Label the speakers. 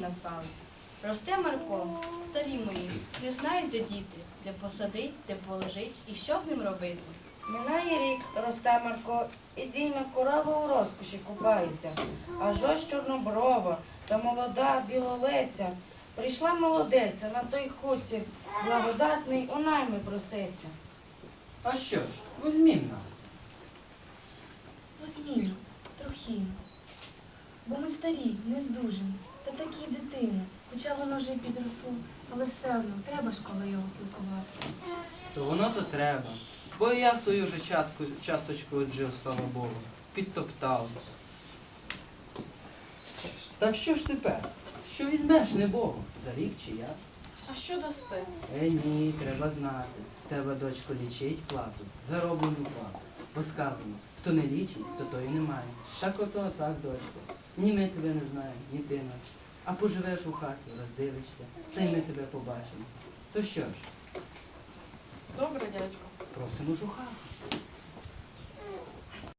Speaker 1: назвали. Росте Марко, старі мої, не знають, де діти, де посадить, де положить і що з ним робити.
Speaker 2: Минає рік, росте Марко, і дійна корова у розкоші купається. Аж ось чорноброва та молода білолеця. Прийшла молодеця на той хутір, благодатний у найми проситься.
Speaker 3: А що ж, візьмім нас.
Speaker 4: Возьмімо, трохімо. Бо ми старі, не здужимо, та такі дитини. Хоча воно вже й підросло, але все одно треба ж коло його пілкувати.
Speaker 3: То воно то треба. Бо і я свою же часточку оджив, слава Богу, підтоптався. Так що ж тепер? Що візьмеш, не Богу? За рік чи як?
Speaker 1: А що дасте?
Speaker 3: Ні, треба знати. Треба, дочко, лічить плату, зароблену плату. Бо сказано, хто не лічить, то той і не має. Так ото, так, дочко. Ні ми тебе не знаємо, ні ти нас. А поживеш у хаті, роздивишся, та й ми тебе побачимо. То що ж,
Speaker 1: Добре, дядько.
Speaker 3: просимо ж у хату.